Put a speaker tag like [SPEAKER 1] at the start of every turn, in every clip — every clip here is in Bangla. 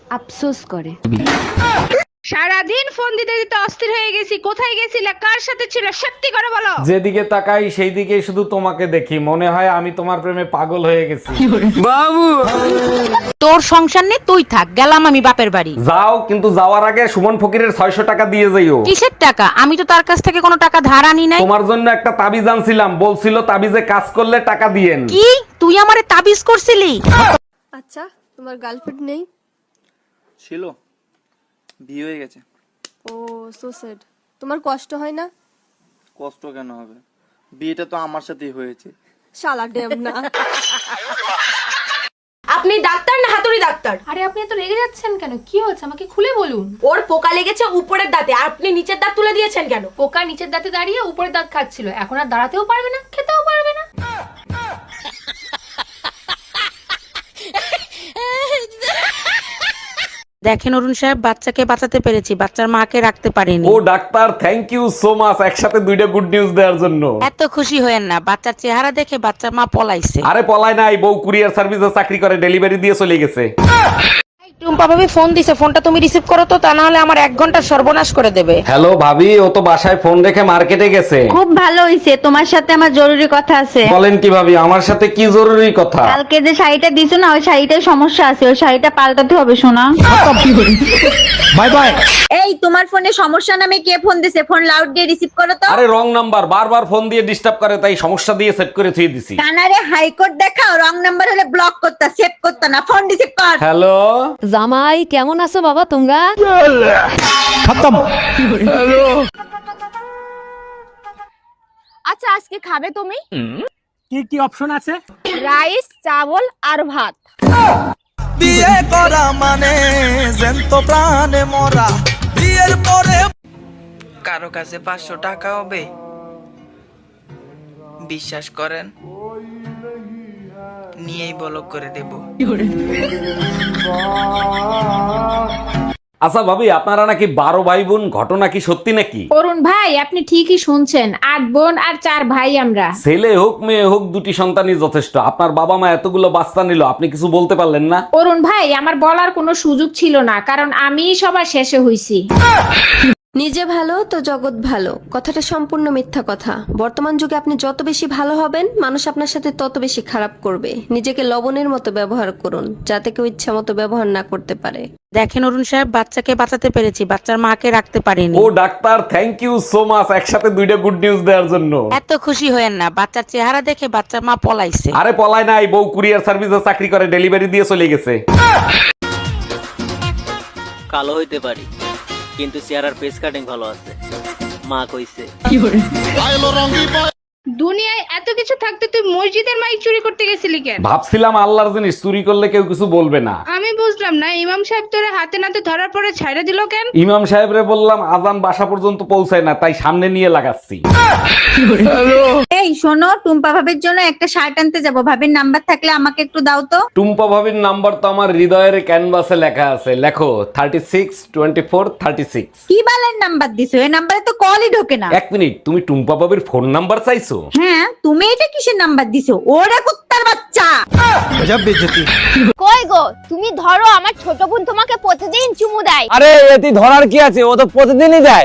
[SPEAKER 1] আফসোস করে।
[SPEAKER 2] সারাদিন ফোন দিতে দিতে অস্থির হয়ে গেছি। কোথায় গেছিলা, কার সাথে ছিল, সত্যি করে বলো।
[SPEAKER 3] যেদিকে তাকাই সেই দিকেই শুধু তোমাকে দেখি, মনে হয় আমি তোমার প্রেমে পাগল হয়ে গেছি।
[SPEAKER 1] তোর সংসার নেই, তুই থাক, গেলাম আমি বাপের বাড়ি।
[SPEAKER 3] যাও, কিন্তু যাওয়ার আগে সুমন ফকিরের 600 টাকা দিয়ে যাইও।
[SPEAKER 1] কিসের টাকা? আমি তো তার কাছ থেকে কোনো টাকা ধার আনি নাই।
[SPEAKER 3] তোমার জন্য একটা তাবিজ আনছিলাম, বলছিল তাবিজে কাজ করলে টাকা দিয়েন।
[SPEAKER 1] কি তুই আমারে তাবিজ করছিলি?
[SPEAKER 4] আচ্ছা, তোমার গার্লফ্রেন্ড নেই?
[SPEAKER 5] ছিল, বিয়ে হয়ে গেছে।
[SPEAKER 4] Oh so sad. তোমার কষ্ট হয় না?
[SPEAKER 5] কষ্ট কেন হবে, বিয়েটা তো আমার সাথেই হয়েছে।
[SPEAKER 4] শালা ড্যাম না।
[SPEAKER 6] আপনি ডাক্তার না হাতুড়ি ডাক্তার?
[SPEAKER 7] আরে আপনি এত রেগে যাচ্ছেন কেন? কি হয়েছে আমাকে খুলে বলুন।
[SPEAKER 6] ওর পোকা লেগেছে উপরের দাঁতে, আর আপনি নিচের দাঁত তুলে দিয়েছেন কেন?
[SPEAKER 7] পোকা নিচের দাঁতে দাঁড়িয়ে উপরের দাঁত খাচ্ছিল, এখন আর দাঁড়াতেও পারবে না, খেতেও পারবে না।
[SPEAKER 1] দেখেন অরুণ সাহেব, বাচ্চাকে বাঁচাতে পেরেছি, বাচ্চার মাকে রাখতে পারিনি।
[SPEAKER 3] ও doctor, thank you so much, একসাথে দুইটা গুড নিউজ দেওয়ার জন্য।
[SPEAKER 1] এত খুশি হয়েন না, বাচ্চার চেহারা দেখে বাচ্চার মা পলাইছে।
[SPEAKER 3] আরে পলায় নাই, বউ কুরিয়ার সার্ভিসে চাকরি করে, ডেলিভারি দিয়ে চলে গেছে।
[SPEAKER 1] টুম্পা ভাবি ফোন দিছে, ফোনটা তুমি রিসিভ করো তো, তা না হলে আমার 1 ঘন্টা সর্বনাশ করে দেবে।
[SPEAKER 3] হ্যালো ভাবি, ও তো বাসায় ফোন রেখে মার্কেটে গেছে।
[SPEAKER 2] খুব ভালো হইছে, তোমার সাথে আমার জরুরি কথা আছে।
[SPEAKER 3] বলেন কি ভাবি, আমার সাথে কি জরুরি কথা?
[SPEAKER 2] কালকে যে শাড়িটা দিছো না, ওই শাড়িটার সমস্যা আছে, ওই শাড়িটা পাল্টাতে হবে শোনা।
[SPEAKER 3] Bye bye.
[SPEAKER 2] এই তোমার ফোনে সমস্যা নামে কে ফোন দিছে? ফোন লাউড দিয়ে রিসিভ করো তো।
[SPEAKER 3] আরে রং নাম্বার, বারবার ফোন দিয়ে ডিস্টার্ব করে, তাই সমস্যা দিয়ে সেট করে থুয়ে দিছি।
[SPEAKER 2] কানারে হাইকোর্ট দেখাও, রং নাম্বার হলে ব্লক করতা, সেভ করতা না, ফোন রিসিভ কর।
[SPEAKER 3] হ্যালো
[SPEAKER 1] জামাই কেমন আছো বাবা তোমরা?
[SPEAKER 6] আচ্ছা, আজকে খাবে তুমি?
[SPEAKER 8] কি কি অপশন আছে?
[SPEAKER 6] রাইস, চাবল আর ভাত।
[SPEAKER 9] বিয়ে করা মানে জ্যান্ত প্রাণে মরা। বিয়ের পরে কারো কাছে 500 টাকা হবে, বিশ্বাস করেন নিয়েই বলক করে দেব।
[SPEAKER 3] আচ্ছা ভাবি, আপনারা নাকি 12 ভাই বোন, ঘটনা কি সত্যি নাকি?
[SPEAKER 2] অরুণ ভাই, আপনি ঠিকই শুনছেন, 8 বোন আর 4 ভাই আমরা।
[SPEAKER 3] ছেলে হোক মেয়ে হোক, 2টি সন্তানই যথেষ্ট। আপনার বাবা মা এতগুলো বাচ্চা নিল, আপনি কিছু বলতে পারলেন না?
[SPEAKER 2] অরুণ ভাই, আমার বলার কোনো সুযোগ ছিল না, কারণ আমি সবার শেষে হইছি।
[SPEAKER 4] নিজে ভালো তো জগৎ ভালো, কথাটা সম্পূর্ণ মিথ্যা কথা। বর্তমান যুগে আপনি যত বেশি ভালো হবেন, মানুষ আপনার সাথে তত বেশি খারাপ করবে। নিজেকে লবণের মতো ব্যবহার করুন, যাতে কেউ ইচ্ছা মতো ব্যবহার না করতে পারে।
[SPEAKER 1] দেখেন অরুণ সাহেব, বাচ্চাকে বাঁচাতে পেরেছি, বাচ্চার মাকে রাখতে পারিনি।
[SPEAKER 3] ও doctor, thank you so much, একসাথে দুইটা গুড নিউজ দেওয়ার জন্য।
[SPEAKER 1] এত খুশি হয়েন না, বাচ্চার চেহারা দেখে বাচ্চার মা পলাইছে।
[SPEAKER 3] আরে পলায় নাই, বউ কুরিয়ার সার্ভিসে চাকরি করে, ডেলিভারি দিয়ে চলে গেছে।
[SPEAKER 10] কালো হইতে পারি, কিন্তু চেহারার ফেস কাটিং ভালো আছে, মা কইছে।
[SPEAKER 2] দুনিয়ায় এত কিছু থাকতে তুই মসজিদের মাইক চুরি করতে গেছিলি কেন?
[SPEAKER 3] ভাবছিলাম আল্লাহর জিনিস চুরি করলে কেউ কিছু বলবে না।
[SPEAKER 2] আমি বুঝলাম না, ইমাম সাহেব তোরে হাতে নাতে ধরার পরে ছাইড়া দিল কেন?
[SPEAKER 3] ইমাম সাহেবরে বললাম আজান বাসা পর্যন্ত পৌঁছায় না, তাই সামনে নিয়ে লাগাচ্ছি।
[SPEAKER 2] এই শোনো, টুম্পা ভাবির জন্য একটা শার্ট আনতে যাব, ভাবির নাম্বার থাকলে আমাকে একটু দাও তো।
[SPEAKER 3] টুম্পা ভাবির নাম্বার তো আমার হৃদয়ের ক্যানভাসে লেখা আছে, লেখো 362436।
[SPEAKER 2] কি বালের নাম্বার দিছো? এই নাম্বারে তো কলই ঢোকে না।
[SPEAKER 3] 1 মিনিট, তুমি টুম্পা ভাবির ফোন নাম্বার চাইছো?
[SPEAKER 2] হ্যাঁ, তুমি এটা কিসের নাম্বার দিছো? ওরে কুত্তার বাচ্চা।
[SPEAKER 6] কই গো, তুমি ধরো, আমার ছোট বোন তোমাকে প্রতিদিন চুমু দেয়।
[SPEAKER 8] আরে এতে ধরার কি আছে, ও তো প্রতিদিনই দেয়।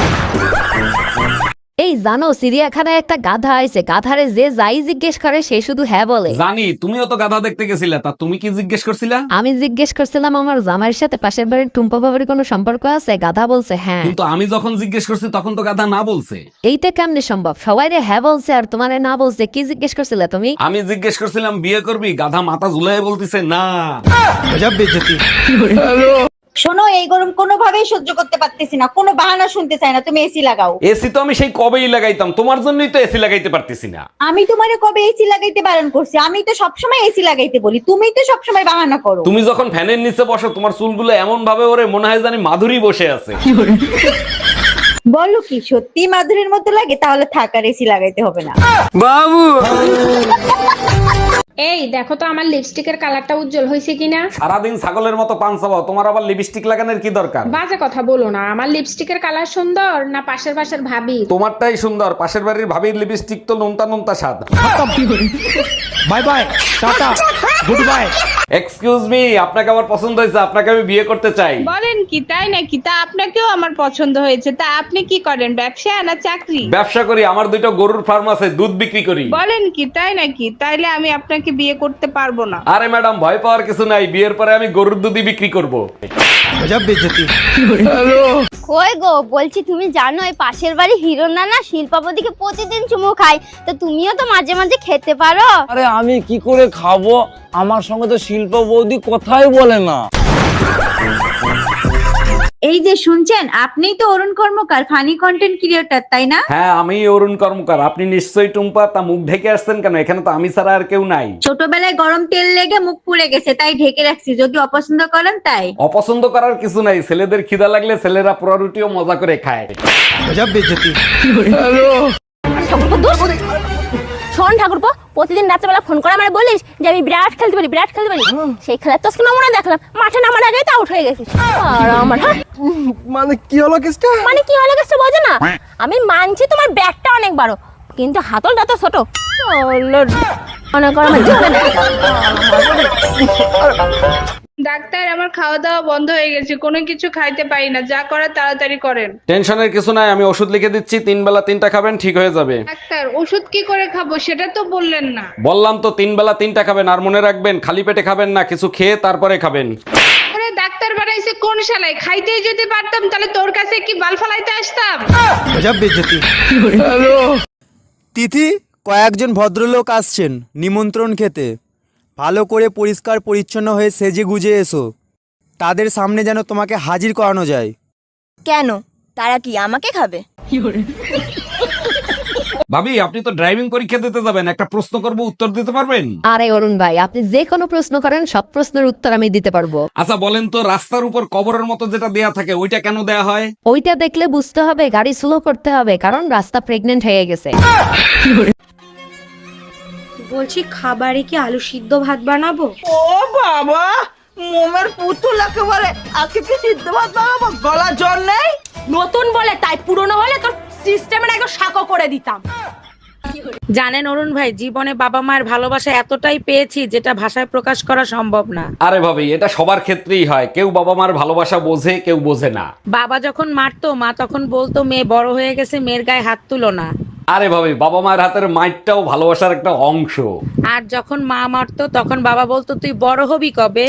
[SPEAKER 1] এই জানো, চিড়িয়াখানায় একটা গাধা আইছে, গাধারে যে যাই জিজ্ঞেস করে সে শুধু হ্যাঁ বলে।
[SPEAKER 3] জানি, তুমিও তো গাধা দেখতে গেছিলা, তা তুমি কি জিজ্ঞেস করছিলা?
[SPEAKER 1] আমি জিজ্ঞেস করছিলাম আমার জামাইয়ের সাথে পাশের বাড়ির টুম্পা বাবার কোনো সম্পর্ক আছে? গাধা বলছে হ্যাঁ।
[SPEAKER 3] কিন্তু আমি যখন জিজ্ঞেস করছি তখন তো গাধা না বলছে।
[SPEAKER 1] এইটা কেমনে সম্ভব? সবাই রে হ্যাঁ বলছে আর তোমারে না বলছে। কি জিজ্ঞেস করছিলে তুমি?
[SPEAKER 3] আমি জিজ্ঞেস করছিলাম বিয়ে করবি, গাধা মাথা ঝুলাই বলতিছে না।
[SPEAKER 2] শোনো, এই গরম কোনোভাবেই সহ্য করতে পারতেছি না, কোনো বাহানা শুনতে চাই না, তুমি এসি লাগাও।
[SPEAKER 3] এসি তো আমি সেই কবেই লাগাইতাম, তোমার জন্যই তো এসি লাগাইতে পারতেছি না।
[SPEAKER 2] আমি তোমারে কবে এসি লাগাইতে বারণ করছি? আমি তো সবসময় এসি লাগাইতে বলি, তুমি তো সবসময় বাহানা করো।
[SPEAKER 3] তুমি যখন ফ্যানের নিচে বসো, তোমার চুলগুলো এমন ভাবে ওরে মনে হয় জানি মাধুরী বসে আছে।
[SPEAKER 2] বলো কি সত্যি মাধুরীর মতো লাগে? তাহলে থাক, আর এসি লাগাইতে হবে না।
[SPEAKER 8] বাবু
[SPEAKER 2] এই দেখো তো আমার লিপস্টিকের কালারটা উজ্জ্বল হয়েছে কিনা।
[SPEAKER 3] সারাদিন ছাগলের মতো পান চাবাও, তোমার আবার লিপস্টিক লাগানোর কি দরকার?
[SPEAKER 2] বাজে কথা বলো না, আমার লিপস্টিকের কালার সুন্দর না পাশের বাসার ভাবি?
[SPEAKER 3] তোমারটাই সুন্দর, পাশের বাড়ির ভাবির লিপস্টিক তো নোনতা নোনতা স্বাদ।
[SPEAKER 8] Bye bye, tata. Good bye.
[SPEAKER 3] Excuse me, আপনাকে আমার পছন্দ হয়েছে, আপনাকে আমি বিয়ে করতে চাই।
[SPEAKER 2] বলেন কি, তাই নাকি? তা আপনাকেও আমার পছন্দ হয়েছে। তা আপনি কি করেন, ব্যবসা না চাকরি?
[SPEAKER 3] ব্যবসা করি, আমার দুটো গরুর ফার্ম আছে, দুধ বিক্রি করি।
[SPEAKER 2] বলেন কি, তাই নাকি? তাইলে আমি আপনাকে বিয়ে করতে পারবো না।
[SPEAKER 3] আরে ম্যাডাম, ভয় পাওয়ার কিছু নাই, বিয়ের পরে আমি গরুর দুধই বিক্রি করব।
[SPEAKER 6] কই গো, বলছি তুমি জানো এই পাশের বাড়ি হিরো না শিল্পাপতিকে প্রতিদিন চুমু খায়, তো তুমিও তো মাঝে মাঝে খেতে পারো।
[SPEAKER 8] আরে আমি কি করে খাবো, আমার সঙ্গে তো শিল্প বৌদি কথাই বলে না।
[SPEAKER 2] এই যে শুনছেন, আপনিই তো Arun Karmakar, funny content creator, তাই না?
[SPEAKER 3] হ্যাঁ, আমি অরুণ কর্মকার। আপনি নিশ্চয়ই টুম্পা, তা মুখ ঢেকে আসছেন কেন? এখানে তো আমি ছাড়া আর কেউ নাই।
[SPEAKER 2] ছোটবেলায় গরম তেল লেগে মুখ পুড়ে গেছে, তাই ঢেকে রাখছি, যদি অপছন্দ করেন তাই।
[SPEAKER 3] অপছন্দ করার কিছু নাই, ছেলেদের খিদা লাগলে ছেলেরা পোড়া রুটিও মজা করে খায়।
[SPEAKER 6] শোন ঠাকুরপো, প্রতিদিন রাত্রেবেলা ফোন করে আমার বলিস যে আমি বিরাট খেলতে পারি, বিরাট খেলতে পারি। সেই খেলার তো নমুনা দেখলাম, মাঠে নামার আগে তো আউট হয়ে গেছিস। আর আমার
[SPEAKER 8] মানে কি হলো কেসটা?
[SPEAKER 6] মানে কি হলো গেছে বোঝো না? আমি মানছি তোমার ব্যাগটা অনেক বড়, কিন্তু হাতলটা তো ছোট। মনে করো আমার জীবনে
[SPEAKER 2] ডাক্তার, আমার খাওয়া দাওয়া বন্ধ হয়ে গেছে, কোনো কিছু খাইতে পারি না, যা করার তাড়াতাড়ি করেন।
[SPEAKER 3] টেনশনের কিছু নাই, আমি ওষুধ লিখে দিচ্ছি, 3 বেলা 3টা খাবেন, ঠিক হয়ে যাবে।
[SPEAKER 2] ডাক্তার, ওষুধ কি করে খাবো সেটা তো বললেন না।
[SPEAKER 3] বললাম তো 3 বেলা 3টা খাবেন, আর মনে রাখবেন খালি পেটে খাবেন না, কিছু খেয়ে তারপরে খাবেন।
[SPEAKER 2] আরে ডাক্তার বানাইছে কোন শালায়? খাইতেই যদি পারতাম তাহলে তোর কাছে কি বাল ফালাইতে আসতাম?
[SPEAKER 5] তিথি, কয়েকজন ভদ্রলোক আসছেন নিমন্ত্রণ খেতে। ভালো করে পরিষ্কার পরিচ্ছন্ন হয়ে সেজে গুজে এসো, তাদের সামনে যেন তোমাকে হাজির করানো যায়।
[SPEAKER 6] কেন, তারা কি আমাকে খাবে?
[SPEAKER 3] ভাবি, আপনি তো ড্রাইভিং পরীক্ষা দিতে যাবেন, একটা প্রশ্ন করব, উত্তর দিতে পারবেন?
[SPEAKER 1] আরে অরুণ ভাই, আপনি যে কোনো প্রশ্ন করেন, সব প্রশ্নের উত্তর আমি দিতে পারবো।
[SPEAKER 3] আচ্ছা বলেন তো, রাস্তার উপর কবরের মতো যেটা দেয়া থাকে ওইটা কেন দেয়া হয়?
[SPEAKER 1] ওইটা দেখলে বুঝতে হবে গাড়ি স্লো করতে হবে, কারণ রাস্তা প্রেগনেন্ট হয়ে গেছে।
[SPEAKER 2] বলছি, খাবারে কি আলু সিদ্ধ ভাত বানাবো?
[SPEAKER 9] ও বাবা, মোমের পুতুল একেবারে, আজকে কি সিদ্ধ ভাত বানাবো? গলা জল নেই?
[SPEAKER 7] নতুন বলে তাই, পুরনো হলে তোর সিস্টেমের একদম সাকো করে দিতাম।
[SPEAKER 1] জানেন অরুণ ভাই, জীবনে বাবা মায়ের ভালোবাসা এতটাই পেয়েছি যেটা ভাষায় প্রকাশ করা সম্ভব না।
[SPEAKER 3] আরে ভাবি, এটা সবার ক্ষেত্রেই হয়, কেউ বাবা মার ভালোবাসা বোঝে, কেউ বোঝে না।
[SPEAKER 1] বাবা যখন মারতো, মা তখন বলতো মেয়ে বড় হয়ে গেছে, মেয়ের গায়ে হাত তুলো না।
[SPEAKER 3] আরে ভাবি, বাবা মায়ের হাতের মাইরটাও ভালোবাসার একটা অংশ।
[SPEAKER 1] আর যখন মা মারতো, তখন বাবা বলতো তুই বড় হবি কবে।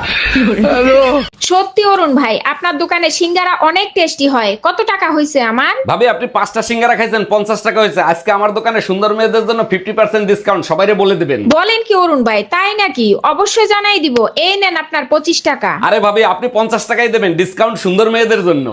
[SPEAKER 7] সত্যি অরুণ ভাই, আপনার দোকানে সিঙ্গারা অনেক টেস্টি হয়। কত টাকা হয়েছে আমার?
[SPEAKER 3] ভাবি, আপনি 5টা সিঙ্গারা খাইছেন, 50 টাকা হয়েছে। আজকে আমার দোকানে সুন্দর মেয়েদের জন্য 50% ডিসকাউন্ট, সবাইরে বলে দিবেন।
[SPEAKER 7] বলেন কি অরুণ ভাই, তাই নাকি? অবশ্যই জানাই দিব। এই নেন আপনার 25 টাকা।
[SPEAKER 3] আরে ভাবি, আপনি 50 টাকাই দেবেন, ডিসকাউন্ট সুন্দর মেয়েদের জন্য।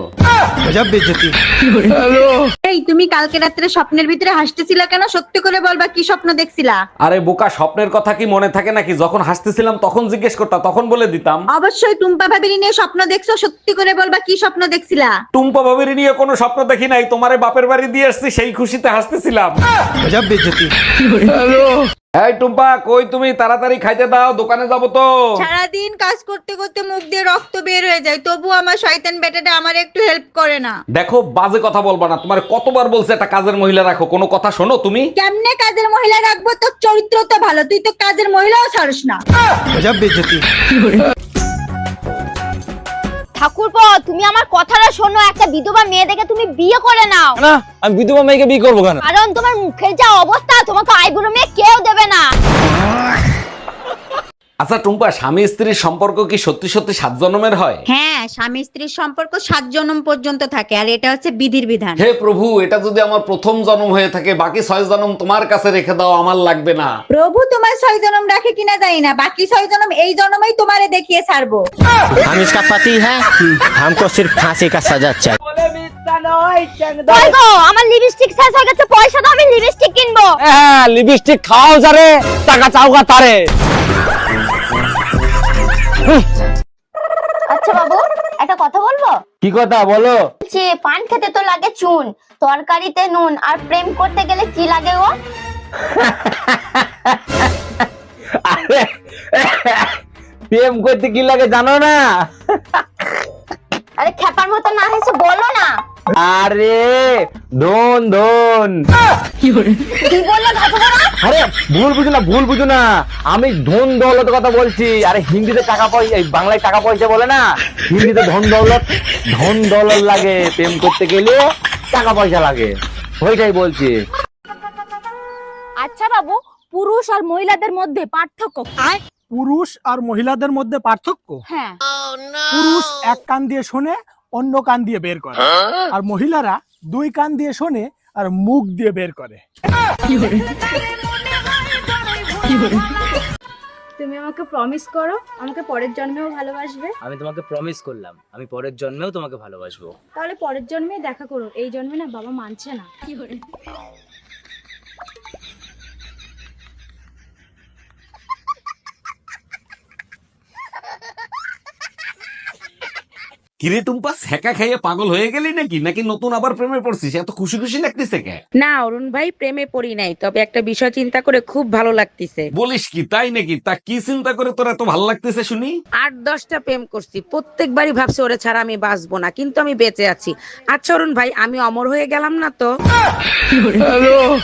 [SPEAKER 2] এই, তুমি কালকে রাত্রে স্বপ্নের ভিতরে হাসতেছিলা কেন? সত্যি করে বলবা, কি স্বপ্ন দেখছিলা?
[SPEAKER 3] আরে বোকা, স্বপ্নের কথা কি মনে থাকে নাকি? যখন হাসতেছিলাম তখন জিজ্ঞেস করতাম, তখন বলে দিতাম।
[SPEAKER 2] অবশ্যই টুম্পা ভাবিনি নিয়ে স্বপ্ন দেখছো, সত্যি করে বলবা কি স্বপ্ন দেখছিলা?
[SPEAKER 3] টুম্পা ভাবির নিয়ে কোনো স্বপ্ন দেখি নাই, তোমারে বাপের বাড়ি দিয়ে আসছি, সেই খুশিতে হাসতেছিলাম। এই টুম্পা, কই তুমি? তাড়াতাড়ি খাইতে দাও, দোকানে যাবো তো।
[SPEAKER 2] সারাদিন কাজ করতে করতে মুখ দিয়ে রক্ত বের হয়ে যায়, তবু আমার শয়তান বেটাটা আমার একটু হেল্প করে না।
[SPEAKER 3] দেখো, বাজে কথা বলবা না, তোমার কতবার বলছে একটা কাজের মহিলা রাখো, কোনো কথা শোনো তুমি?
[SPEAKER 2] কেমনে কাজের মহিলা রাখবো? তোর চরিত্র তো ভালো, তুই তো কাজের মহিলাও ছাড়স না।
[SPEAKER 6] ঠাকুরপো, তুমি আমার কথাটা শোনো, একটা বিধবা মেয়ে দেখে তুমি বিয়ে করে নাও।
[SPEAKER 8] না, আমি বিধবা মেয়েকে বিয়ে করবো কেন?
[SPEAKER 6] কারণ তোমার মুখের যা অবস্থা, তোমাকে আইবুড়ো মেয়ে কেউ দেবে না।
[SPEAKER 3] আচ্ছা টুম্পা, স্বামী স্ত্রীর সম্পর্ক কি সত্যি সত্যি 7 জন্মের হয়?
[SPEAKER 2] হ্যাঁ, স্বামী স্ত্রীর সম্পর্ক 7 জন্ম পর্যন্ত থাকে, আর এটা হচ্ছে বিধির বিধান।
[SPEAKER 3] হে প্রভু, এটা যদি আমার প্রথম জন্ম হয়ে থাকে, বাকি 6 জন্ম তোমার কাছে রেখে দাও, আমার লাগবে না।
[SPEAKER 2] প্রভু তোমার 6 জন্ম রাখে কিনা জানি না, বাকি 6 জন্ম এই জন্মই তোমারে দেখিয়ে ছাড়বো।
[SPEAKER 10] हम इसका पति है, हमको सिर्फ फांसी का सजा चाहिए।
[SPEAKER 6] কই গো, আমার লিপস্টিক শেষ হয়ে গেছে, পয়সা দাও, আমি লিপস্টিক কিনবো।
[SPEAKER 8] হ্যাঁ, লিপস্টিক খাও যারে, টাকা চাওগা তারে।
[SPEAKER 6] আচ্ছা বাবু, একটা কথা বলবো?
[SPEAKER 8] কি কথা বলো?
[SPEAKER 6] যে পান খেতে তো লাগে চুন, তরকারিতে নুন, আর প্রেম করতে গেলে কি লাগে গো?
[SPEAKER 8] আরে, প্রেম করতে কি লাগে জানো না?
[SPEAKER 6] আরে খেপার মতো না হেসে বলো না।
[SPEAKER 8] আরে ধন ধন।
[SPEAKER 6] কি বললে ঘাটবো না?
[SPEAKER 8] আরে ভুল বুঝো না আমি ধন দৌলতের কথা বলছি। আরে হিন্দিতে টাকা পয়সা, বাংলায় টাকা পয়সা বলে না, হিন্দিতে ধন দৌলত লাগে। প্রেম করতে গেলে টাকা পয়সা লাগে, ওইটাই বলছি।
[SPEAKER 6] আচ্ছা বাবু, পুরুষ আর মহিলাদের মধ্যে পার্থক্য কি?
[SPEAKER 11] পুরুষ আর মহিলাদের মধ্যে পার্থক্য?
[SPEAKER 6] হ্যাঁ।
[SPEAKER 11] পুরুষ এক কান দিয়ে শোনে, অন্য কান দিয়ে বের করে, আর মহিলারা দুই কান দিয়ে শোনে আর মুখ দিয়ে বের করে।
[SPEAKER 6] তুমি আমাকে প্রমিস করো আমাকে পরের জন্মেও ভালোবাসবে।
[SPEAKER 10] আমি তোমাকে প্রমিস করলাম আমি পরের জন্মেও তোমাকে ভালোবাসবো।
[SPEAKER 6] তাহলে পরের জন্মে দেখা করো, এই জন্মে না বাবা মানছে না।
[SPEAKER 3] কিরে টুম্পা, সেকা খাইয়ে পাগল হয়ে গেলি নাকি নতুন আবার প্রেমে পড়ছিস? এত খুশি খুশি লাগতেছে কে?
[SPEAKER 1] না অরুণ ভাই, প্রেমে পড়ি নাই, তবে একটা বিষয় চিন্তা করে খুব ভালো লাগতেছে।
[SPEAKER 3] বলিস কি, তাই নাকি? তা কি চিন্তা করে তোর এত ভালো লাগতেছে শুনি?
[SPEAKER 1] 8-10টা প্রেম করছি, প্রত্যেকবারই ভাবছি ওরে ছাড়া আমি বাঁচবো না, কিন্তু আমি বেঁচে আছি। আচ্ছা অরুণ ভাই, আমি অমর হয়ে গেলাম না তো?